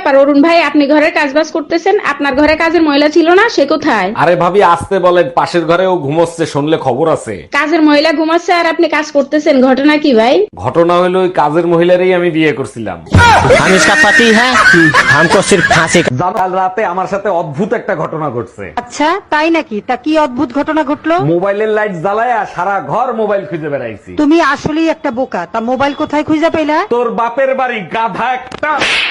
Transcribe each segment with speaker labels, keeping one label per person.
Speaker 1: ব্যাপার অরুণ ভাই, আপনি ঘরের কাজবাজ করতেছেন, আপনার ঘরে কাজের মহিলা ছিল না? সে কোথায়?
Speaker 2: আরে ভাবি আসতে বলেন, পাশের ঘরেও ঘুমোচ্ছে, শুনলে খবর আছে।
Speaker 1: কাজের মহিলা ঘুমাচ্ছে আর আপনি কাজ করতেছেন, ঘটনা কি ভাই?
Speaker 2: ঘটনা হলো ওই কাজের মহিলারই আমি বিয়ে করছিলাম।
Speaker 3: हम इसका पति है, हमको सिर्फ फांसी का।
Speaker 2: জানো, কাল রাতে আমার সাথে অদ্ভুত একটা ঘটনা ঘটছে।
Speaker 4: আচ্ছা তাই নাকি? তা কি অদ্ভুত ঘটনা ঘটলো?
Speaker 2: মোবাইলের লাইট জ্বালায়া সারা ঘর মোবাইল খুঁজে বেড়াইছি।
Speaker 4: তুমি আসলেই একটা বোকা। তা মোবাইল কোথায় খুঁজে পেলা?
Speaker 2: তোর বাপের বাড়ি, গাধা একটা।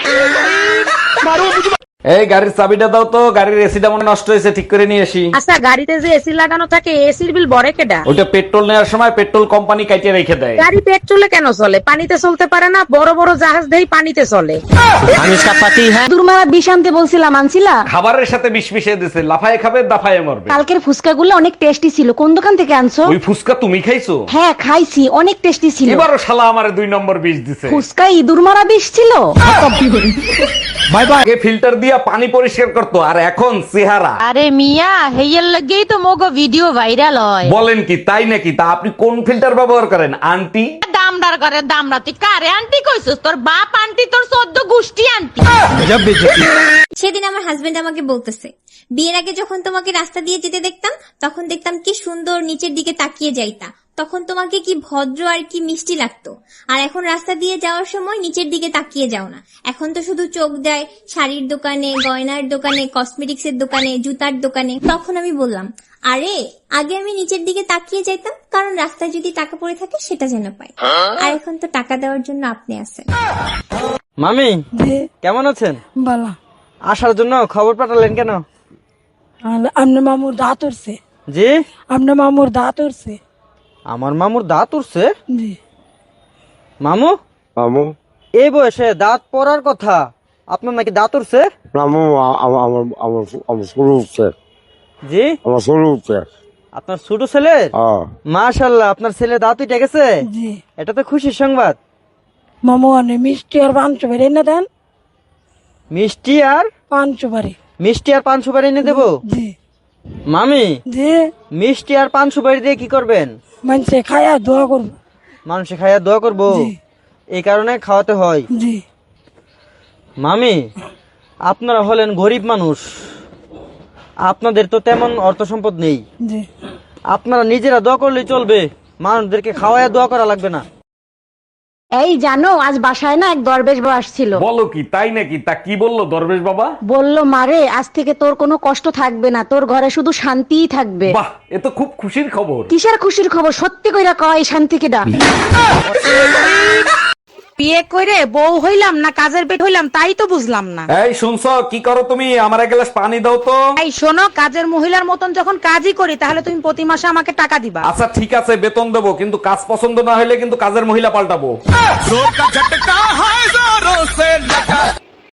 Speaker 2: এই গাড়ির চাবিটা দাও তো, গাড়ির এসিটা মনে নষ্ট হয়েছে, ঠিক করে নিয়ে আসি।
Speaker 5: আচ্ছা, গাড়িতে যে এসি লাগানো থাকে, এসির বিল বড় কেডা?
Speaker 2: ওইটা পেট্রোল নেওয়ার সময় পেট্রোল কোম্পানি কাটিয়ে রেখে দেয়।
Speaker 5: গাড়ি পেট্রোলে কেন চলে? পানিতে চলতে পারে না? বড় বড় জাহাজ দেই পানিতে চলে।
Speaker 3: हम इसका पति है।
Speaker 4: দুর্মারা বিষ আনতে বলছিলাম, আনছিলা?
Speaker 2: খাবারের সাথে বিষ মিশিয়ে দিছে, লাফায়ে খাবে দাফায়ে মরবে।
Speaker 4: কালকের ফুচকাগুলো অনেক টেস্টি ছিল। কোন দোকান থেকে আনছো?
Speaker 2: ওই ফুসকা তুমি খাইছো?
Speaker 4: হ্যাঁ খাইছি, অনেক টেস্টি ছিল।
Speaker 2: এবারও শালা আমারে 2 নম্বর বিষ দিছে।
Speaker 4: ফুচকা ইঁদুর মারা বিষ ছিল।
Speaker 2: Bye bye. আগে ফিল্টার দিয়া পানি পরিষ্কার করতো, আর এখন চেহারা।
Speaker 5: আরে মিয়া, হেয়ার লাগেই তো মোগো ভিডিও ভাইরাল হয়।
Speaker 2: বলেন কি, তাই নাকি? তা আপনি কোন ফিল্টার ব্যবহার করেন আন্টি?
Speaker 5: দামদার করে দামরা, তুই কারে আন্টি কইছিস? তোর বাপ আন্টি, তোর 14 গোষ্ঠী আন্টি।
Speaker 6: সেদিন আমার হাজবেন্ড আমাকে বলতেছে, বিয়ের আগে যখন তোমাকে রাস্তা দিয়ে যেতে দেখতাম, তখন দেখতাম কি সুন্দর নিচের দিকে তাকিয়ে যাইতা, তখন তোমাকে কি ভদ্র আর কি মিষ্টি লাগতো। আর এখন রাস্তা দিয়ে যাওয়ার সময় নিচের দিকে তাকিয়ে যাও না, এখন তো শুধু চোখ দেয় শাড়ির দোকানে, গয়নার দোকানে, কসমেটিক্স এর দোকানে, জুতার দোকানে। তখন আমি বললাম, আরে আগে আমি নিচের দিকে তাকিয়ে যাইতাম, কারণ রাস্তায় যদি টাকা পড়ে থাকে সেটা যেন পাই। আর এখন তো টাকা দেওয়ার জন্য আপনি আছেন।
Speaker 3: মামি কেমন আছেন?
Speaker 4: বলা
Speaker 3: আসার জন্য খবর পাঠালেন কেন?
Speaker 4: আপনার মামুর দাঁত উঠছে।
Speaker 3: জি,
Speaker 4: আপনার মামুর দাঁত উঠছে।
Speaker 3: আমার মামুর দাঁত উঠছে?
Speaker 4: জি।
Speaker 7: মামু
Speaker 3: এই বয়সে দাঁত পড়ার কথা, আপনার নাকি দাঁত উঠছে?
Speaker 7: মামু আমার শুরু উঠছে,
Speaker 3: জি,
Speaker 7: আমার শুরু উঠছে।
Speaker 3: আপনার ছোট ছেলে? মাশাআল্লাহ, আপনার ছেলে দাঁত উঠে গেছে।
Speaker 4: জি।
Speaker 3: এটা তো খুশির সংবাদ।
Speaker 4: মামু অনেক মিষ্টি আর পাঁচশো বাড়ি এনে দেন।
Speaker 3: মিষ্টি আর
Speaker 4: পাঁচশো বাড়ি।
Speaker 3: মিষ্টি আর 500 বাড়ি এনে দেবো?
Speaker 4: জি।
Speaker 3: মামি,
Speaker 4: জি।
Speaker 3: মিষ্টি আর 500 বাড়ি দিয়ে কি করবেন?
Speaker 4: মানুষে খায়া দোয়া করবো।
Speaker 3: মানুষে খাইয়া দোয়া করবো?
Speaker 4: জি।
Speaker 3: এই কারণে খাওয়াতে হয়।
Speaker 4: জি।
Speaker 3: মামি, আপনারা হলেন গরিব মানুষ, আপনাদের তো তেমন অর্থ সম্পদ নেই।
Speaker 4: জি।
Speaker 3: আপনারা নিজেরা দোয়া করলেই চলবে, মানুষদেরকে খাওয়াইয়া দোয়া করা লাগবে না।
Speaker 4: এই জানো, আজ বাসায় না এক দরবেশ বাবা আসছিল।
Speaker 2: বলো কি, তাই নাকি? তা কি বললো দরবেশ বাবা?
Speaker 4: বললো, মারে আজ থেকে তোর কোনো কষ্ট থাকবে না, তোর ঘরে শুধু শান্তিই থাকবে।
Speaker 2: বাহ, এ তো খুব খুশির খবর।
Speaker 4: কিসের খুশির খবর? সত্যি কইরা কয়, এই শান্তিকে ডাক।
Speaker 5: বিয়ে করে বউ হইলাম না কাজের পেট হইলাম, তাই তো বুঝলাম না।
Speaker 2: এই শুনছো, কি করো তুমি? আমার এক গ্লাস পানি দাও তো।
Speaker 5: এই শোনো, কাজের মহিলার মতন যখন কাজই করি, তাহলে তুমি প্রতি মাসে আমাকে টাকা দিবা।
Speaker 2: আচ্ছা ঠিক আছে, বেতন দেবো, কিন্তু কাজ পছন্দ না হলে কিন্তু কাজের মহিলা পাল্টাবো।